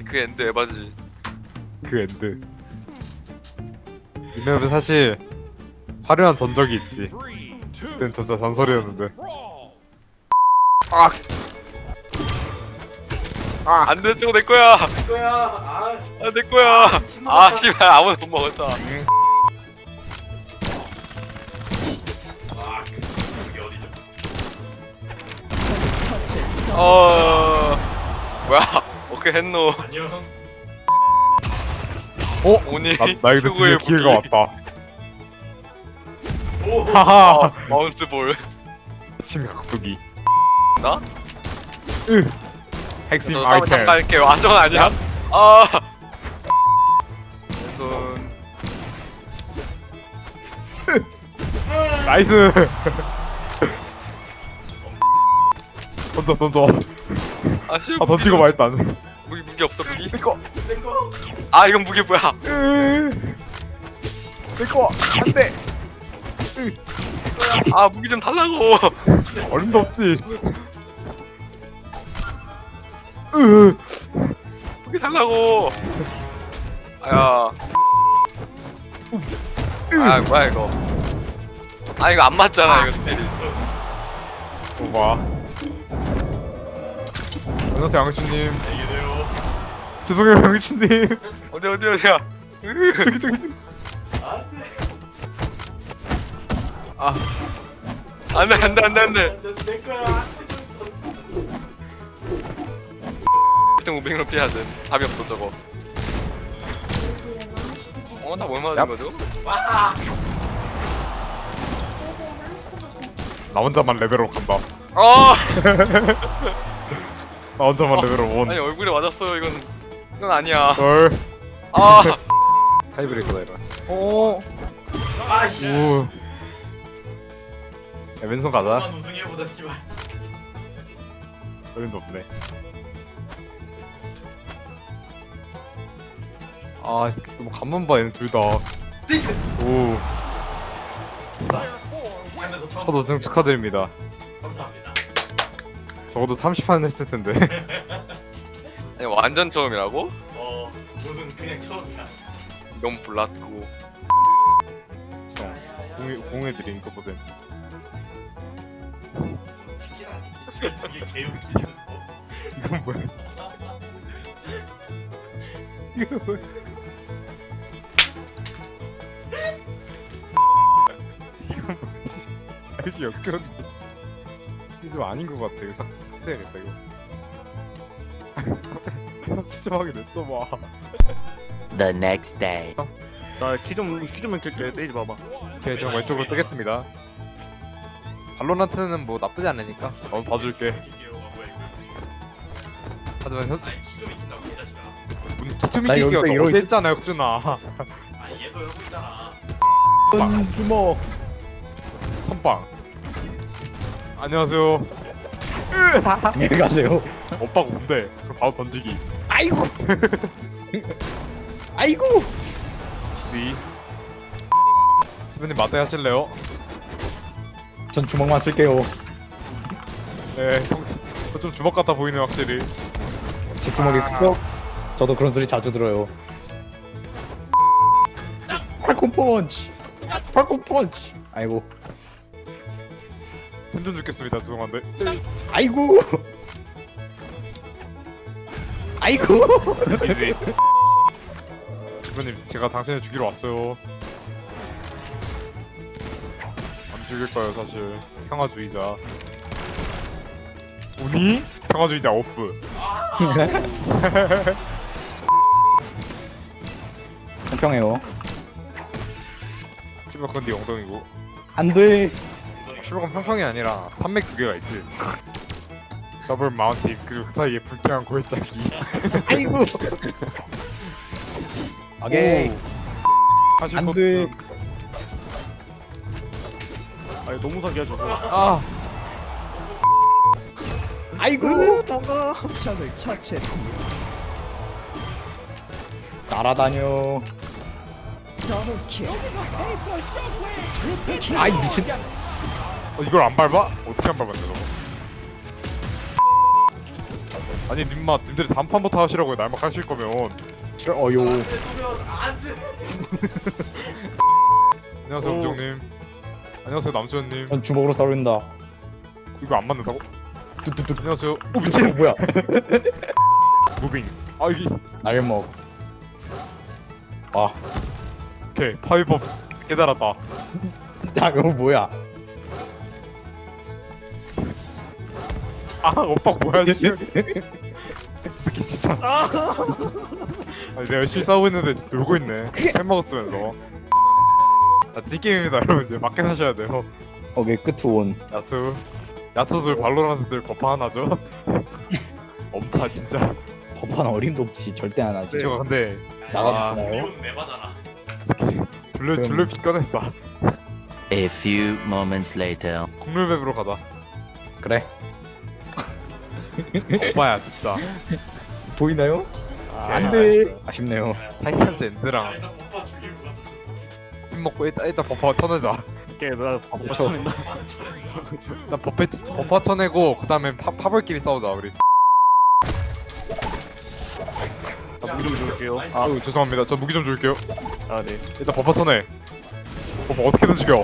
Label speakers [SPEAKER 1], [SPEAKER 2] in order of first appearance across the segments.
[SPEAKER 1] 그 엔드 에바지.
[SPEAKER 2] 그 엔드. 이 맵은 사실 화려한 전적이 있지. 그땐 진짜 전설이었는데.
[SPEAKER 1] 안돼, 저거 내 거야. 내 거야. 씨발 아무도 못 먹었잖아. 뭐야? 오케이 했노. 오니
[SPEAKER 2] 나에게
[SPEAKER 1] 최고의
[SPEAKER 2] 드디어 기회가
[SPEAKER 1] 무기.
[SPEAKER 2] 왔다. 하하.
[SPEAKER 1] 마운트 볼.
[SPEAKER 2] 미친 각도기.
[SPEAKER 1] 나?
[SPEAKER 2] 핵심
[SPEAKER 1] 저
[SPEAKER 2] 아이템.
[SPEAKER 1] 잠깐 할게요. 저건 아니야. 왼손.
[SPEAKER 2] 나이스. 던져.
[SPEAKER 1] 씨.
[SPEAKER 2] 던지고 말 일단.
[SPEAKER 1] 무기 없어 무기?
[SPEAKER 2] 내꺼.
[SPEAKER 1] 이건 무기 뭐야?
[SPEAKER 2] 내꺼. 안돼.
[SPEAKER 1] 무기 좀 달라고.
[SPEAKER 2] 얼음도 없지.
[SPEAKER 1] 무기 달라고. 뭐야 이거? 이거 안 맞잖아 이거 스펠이.
[SPEAKER 2] 봐. 안녕하세요 양치님. 죄송해요 양치님.
[SPEAKER 1] 어디야?
[SPEAKER 2] 저기.
[SPEAKER 1] 안돼.
[SPEAKER 3] 내 거야.
[SPEAKER 1] 1등 500로 피해야 돼. 답이 없어 저거. 나 뭘 맞은 거죠?
[SPEAKER 2] 나 혼자만 레벨업 간다. 나 혼자만 레벨업
[SPEAKER 1] 아니
[SPEAKER 2] 1.
[SPEAKER 1] 얼굴에 맞았어요. 이건 아니야.
[SPEAKER 2] 덜.
[SPEAKER 3] 타이브레이커다 이런.
[SPEAKER 2] 오.
[SPEAKER 3] 아씨.
[SPEAKER 2] 오. 야, 왼손 가자.
[SPEAKER 3] 한번 우승해보자 씨발.
[SPEAKER 2] 얼음도 없네. 너무 간만 봐 얘는 둘 다. 오.
[SPEAKER 3] 하면서 처음.
[SPEAKER 2] 첫 우승 축하드립니다.
[SPEAKER 3] 감사합니다.
[SPEAKER 2] 적어도 30판 했을 텐데.
[SPEAKER 1] 아니 완전 처음이라고?
[SPEAKER 3] 우승 그냥 처음이야.
[SPEAKER 1] 너무 몰랐고.
[SPEAKER 2] 공해드린 거 보세요.
[SPEAKER 3] 치킨 아니? 저게 개웃기는 거.
[SPEAKER 2] 이건 뭐야? 이거 뭐야? 이건 뭐지? 아저씨 역겨운데. 이거 좀 아닌 것 같아. 이거 삭제해야겠다 이거. 수정하게 냅둬봐.
[SPEAKER 4] The next day.
[SPEAKER 5] 키좀 킬게. 떼지 봐봐.
[SPEAKER 2] 오케이, 저 왼쪽으로 뜨겠습니다. 발로란트는 뭐 나쁘지 않으니까. 봐줄게. 하지만
[SPEAKER 3] 아니 키좀 이긴다고 이 자식아.
[SPEAKER 2] 기초미
[SPEAKER 6] 나 여기서
[SPEAKER 2] 끼기가
[SPEAKER 6] 이러고
[SPEAKER 2] 너무 했잖아 혁준아.
[SPEAKER 3] 얘도 하고 있잖아.
[SPEAKER 6] 주먹.
[SPEAKER 2] 선빵. 안녕하세요.
[SPEAKER 6] 안녕히 가세요.
[SPEAKER 2] 오빠가 뭔데? 그럼 바로 던지기.
[SPEAKER 6] 아이고. 아이고.
[SPEAKER 2] 위. 시부님 맞대 하실래요?
[SPEAKER 6] 전 주먹만 쓸게요.
[SPEAKER 2] 네. 좀 주먹 같아 보이네 확실히.
[SPEAKER 6] 제 주먹이 크죠? 저도 그런 소리 자주 들어요. 팔콘 펀치. 팔콘 펀치. 아이고.
[SPEAKER 2] 힘좀 죽겠습니다. 죄송한데.
[SPEAKER 6] 아이고. 아이고.
[SPEAKER 2] 이지. 시부님 제가 당신을 죽이러 왔어요. 안 죽일 거예요 사실. 평화주의자. 우니? 평화주의자 오프.
[SPEAKER 6] 공평해요.
[SPEAKER 2] 시부가 그건 네 엉덩이고.
[SPEAKER 6] 안 돼.
[SPEAKER 2] 시부가 평평이 아니라 산맥 두 개가 있지. 더블 마운틴 그리고 그 사이에 불평한 골짜기.
[SPEAKER 6] 아이고. 오케이.
[SPEAKER 2] 사실
[SPEAKER 6] 안
[SPEAKER 2] 그-
[SPEAKER 6] 돼.
[SPEAKER 5] 아니 너무 사기야 저거.
[SPEAKER 2] 아
[SPEAKER 6] 아이고.
[SPEAKER 4] 적을 처치했습니다.
[SPEAKER 6] 날아다녀.
[SPEAKER 4] 더블킬.
[SPEAKER 6] 아이 미친.
[SPEAKER 2] 이걸 안 밟아? 어떻게 안 밟았냐 저거. 아니 님들이 단판부터 하시라고요. 날막 하실 거면.
[SPEAKER 6] 싫어 어요.
[SPEAKER 3] 안돼.
[SPEAKER 2] 안녕하세요 음정님. 안녕하세요 남수현님.
[SPEAKER 6] 전 주먹으로 싸른다.
[SPEAKER 2] 이거 안 맞는다고?
[SPEAKER 6] 뚜뚜뚜.
[SPEAKER 2] 안녕하세요. 오 미친.
[SPEAKER 6] 뭐야?
[SPEAKER 2] 무빙. 아 이게
[SPEAKER 6] 날먹. 아,
[SPEAKER 2] 오케이 파이법 깨달았다.
[SPEAKER 6] 야 이거 뭐야?
[SPEAKER 2] 아 오빠 뭐야 씨. 특히 진짜. 아니 내가 열심히 싸우고 있는데 놀고 있네. 햄 먹었으면서. 자 G게임입니다 여러분. 이제 맞게 하셔야 돼요.
[SPEAKER 6] 오케이 끝 온.
[SPEAKER 2] 야투들 발로란트들 버파 하나죠? 엄파 진짜.
[SPEAKER 6] 법한 어림도 없지. 절대 안 하지.
[SPEAKER 2] 제가 근데
[SPEAKER 6] 나가보잖아요.
[SPEAKER 3] 미운 내바잖아.
[SPEAKER 2] 줄레 빗 꺼냈다.
[SPEAKER 4] A few moments later.
[SPEAKER 2] 국룰맵으로 가자.
[SPEAKER 6] 그래.
[SPEAKER 2] 엄마야 진짜.
[SPEAKER 6] 보이나요?
[SPEAKER 2] 아,
[SPEAKER 6] 안돼. 아쉽네요.
[SPEAKER 2] 타이탄스 엔드랑
[SPEAKER 3] 일단 오빠 죽이고 가자.
[SPEAKER 2] 팀 먹고 일단 버파 쳐내자.
[SPEAKER 5] 오케이 나
[SPEAKER 6] 그쵸.
[SPEAKER 5] 쳐낸다.
[SPEAKER 2] 일단 버파 쳐내고 그 다음에 파벌끼리 싸우자 우리.
[SPEAKER 5] 나 무기 좀 줄게요.
[SPEAKER 2] 아유 죄송합니다. 저 무기 좀 줄게요.
[SPEAKER 5] 아 네.
[SPEAKER 2] 일단 버파 쳐내. 버파 어떻게든 죽여.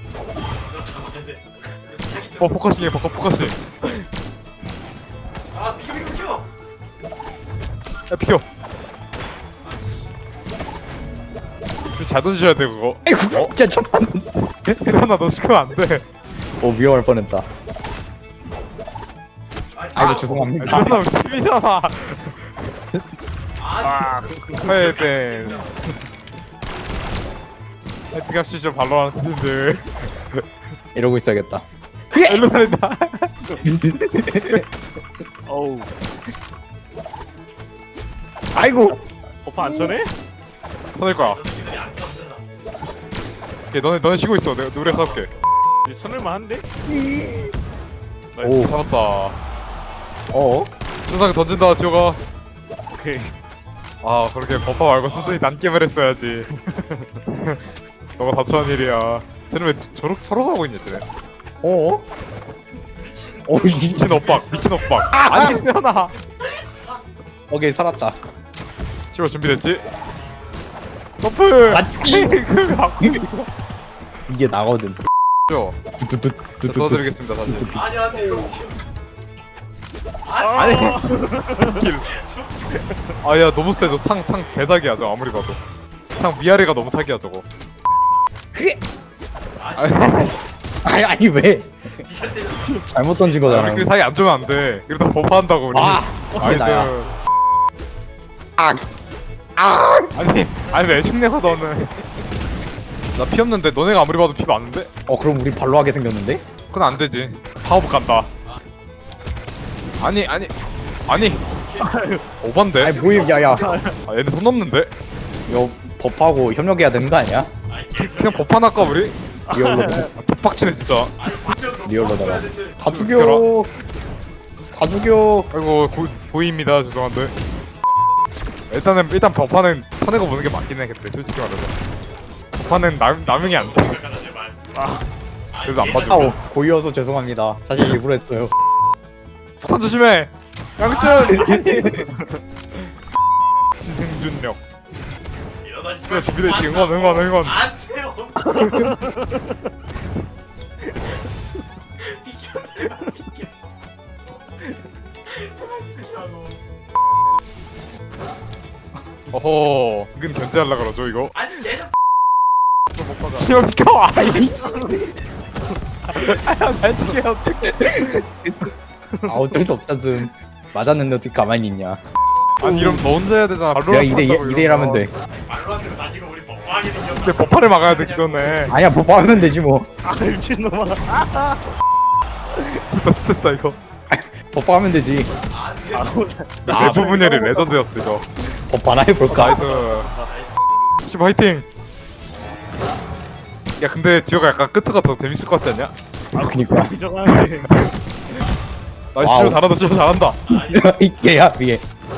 [SPEAKER 2] 포커싱해 버파 포커싱.
[SPEAKER 3] 아 비켜.
[SPEAKER 2] 야 비켜. 잘 던지셔야 돼 그거.
[SPEAKER 6] 아이고 진짜 첫판.
[SPEAKER 2] 수현아 너 죽으면 안 돼.
[SPEAKER 6] 오 위험할 뻔했다. 아이고
[SPEAKER 2] 아,
[SPEAKER 6] 죄송합니다.
[SPEAKER 2] 수현아 우리 팀이잖아.
[SPEAKER 3] 아
[SPEAKER 2] 헤이벤. 헤이트 갑시죠 발로라는 팀들.
[SPEAKER 6] 이러고 있어야겠다.
[SPEAKER 2] 일로 달린다.
[SPEAKER 5] 어우.
[SPEAKER 6] 아이고.
[SPEAKER 5] 오빠 안 쳐내?
[SPEAKER 2] 쳐낼 거야.
[SPEAKER 3] 저 새끼들이 안 떴잖아.
[SPEAKER 2] 오케이 너네 쉬고 있어. 내가 노래 싸울게.
[SPEAKER 5] 이제 쳐낼만 한데?
[SPEAKER 6] 오.
[SPEAKER 2] 잡았다.
[SPEAKER 6] 어?
[SPEAKER 2] 순삭 던진다 지호가.
[SPEAKER 5] 오케이.
[SPEAKER 2] 아 그렇게 버파 말고 순순히 난게임을 했어야지. 너가 다쳐한 일이야. 쟤는 왜 서로 싸우고 있냐 쟤네.
[SPEAKER 6] 어? 오
[SPEAKER 2] 미친 엇박 미친 엇박. 아니 수현아.
[SPEAKER 6] 오케이 살았다.
[SPEAKER 2] 치워 준비됐지? 점프!
[SPEAKER 6] 맞지?
[SPEAKER 2] 그걸 갖고 있어.
[SPEAKER 6] 이게 나거든.
[SPEAKER 2] 저
[SPEAKER 6] 뚜뚜뚜뚜뚜.
[SPEAKER 2] 써드리겠습니다 다시.
[SPEAKER 3] 아니 안돼.
[SPEAKER 2] 아니 아야 너무 세죠. 창 개사기야 저 아무리 봐도. 창 위아래가 너무 사기야 저거.
[SPEAKER 6] 그게
[SPEAKER 2] 아니
[SPEAKER 6] 아니 왜? 잘못 던진 거잖아.
[SPEAKER 2] 우리끼리 사이 안 좋으면 안 돼. 이러다 버퍼한다고 우리.
[SPEAKER 6] 아, 그게 나야. 아
[SPEAKER 2] 니 왜 심내가 너는. 나 피 없는데 너네가 아무리 봐도 피 많은데?
[SPEAKER 6] 그럼 우리 발로 하게 생겼는데?
[SPEAKER 2] 그건 안 되지. 파워복 간다. 아니 오반데?
[SPEAKER 6] 아니 뭐임 야야.
[SPEAKER 2] 아 얘네 손 넘는데?
[SPEAKER 6] 이거 법하고 협력해야 되는 거 아니야?
[SPEAKER 2] 그냥 버판 할까 우리?
[SPEAKER 6] 리얼로
[SPEAKER 2] 빡치네 진짜.
[SPEAKER 6] 리얼로다가 다 죽여. 다 죽여.
[SPEAKER 2] 아이고 고의입니다. 죄송한데. 일단 버파는 쳐내고 보는 게 맞긴 해 그때 솔직히 말해서. 버파는 남용이 안 돼. 그래서 안 봐줘.
[SPEAKER 6] 아우 고이어서 죄송합니다. 사실 일부러 했어요.
[SPEAKER 2] 폭탄 조심해. 양준. 지생준력. 그래 준비됐지. 응원.
[SPEAKER 3] 안돼요. 비켜 제발 비켜.
[SPEAKER 2] 어허. 이건 견제하려 그러죠 이거.
[SPEAKER 3] 아니 쟤는
[SPEAKER 2] 지금 비켜. 잘 치게 어떡해.
[SPEAKER 6] 아 어쩔 수 없다즘. 맞았는데 어떻게 가만히 있냐.
[SPEAKER 2] 아니 이러면 너 혼자 해야 되잖아.
[SPEAKER 6] 야 2대1 하면 돼.
[SPEAKER 3] 말로 안 되면 나 지금 우리 뻔뻔하게 생겼다.
[SPEAKER 2] 근데 버파를 막아야 돼 기도네.
[SPEAKER 6] 아니야 법하면 되지 뭐.
[SPEAKER 5] 아 미친놈아.
[SPEAKER 2] 나 진짜 이거.
[SPEAKER 6] 법하면 되지.
[SPEAKER 2] 내부 분열이 레전드였어 이거.
[SPEAKER 6] 법하나 해볼까?
[SPEAKER 2] 나이스. 심 화이팅. 야 근데 지호가 약간 끝가 더 재밌을 것 같지 않냐?
[SPEAKER 6] 그니까.
[SPEAKER 5] 비정하네.
[SPEAKER 2] 나이스.
[SPEAKER 6] 와우.
[SPEAKER 2] 지호 잘한다.
[SPEAKER 6] 얘야 위에.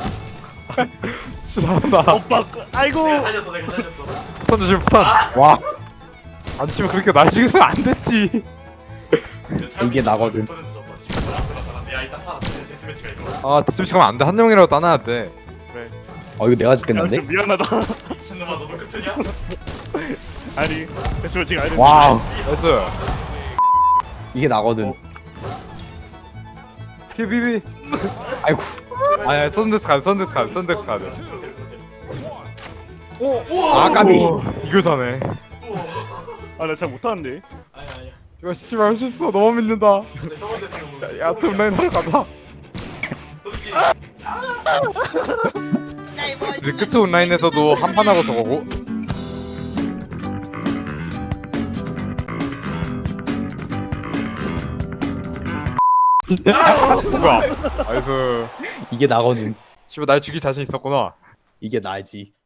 [SPEAKER 2] 지호 잘한다.
[SPEAKER 5] 오빠 아이고.
[SPEAKER 3] 내가 살렸어.
[SPEAKER 2] 폭탄 조심 폭탄.
[SPEAKER 6] 와
[SPEAKER 2] 안 치면 그렇게 날 죽였으면 안 됐지.
[SPEAKER 6] 이게 나거든.
[SPEAKER 3] 내가 이따 살아. 데스매치가 이거.
[SPEAKER 2] 아 디스미치하면 안돼. 한 명이라도 따놔야 돼.
[SPEAKER 6] 이거 내가
[SPEAKER 5] 야,
[SPEAKER 6] 죽겠는데?
[SPEAKER 5] 좀 미안하다.
[SPEAKER 3] 미친놈아 너도 끝이냐?
[SPEAKER 5] 아니, 솔직히 알지.
[SPEAKER 6] 와우
[SPEAKER 2] 나이스.
[SPEAKER 6] 이게 나거든.
[SPEAKER 2] 비비비.
[SPEAKER 6] 아이고
[SPEAKER 2] 아야 선데스 카드 선데스 카드 선데스 카드.
[SPEAKER 6] 아 까비.
[SPEAKER 2] 이거 사네.
[SPEAKER 5] 아, 나 잘 못하는데.
[SPEAKER 3] 아니야.
[SPEAKER 2] 이거 씨발 할 수 있어. 너무 믿는다.
[SPEAKER 3] 근데 저번에 생각보다.
[SPEAKER 2] 야 톱라인 하러 가자.
[SPEAKER 3] 솔직히
[SPEAKER 2] 이제 끝 온라인에서도 한 판 하고 저거고. 뭐야? 나이스.
[SPEAKER 6] 이게 나거든.
[SPEAKER 2] 씨발 날 죽일 자신 있었구나.
[SPEAKER 6] 이게 나지.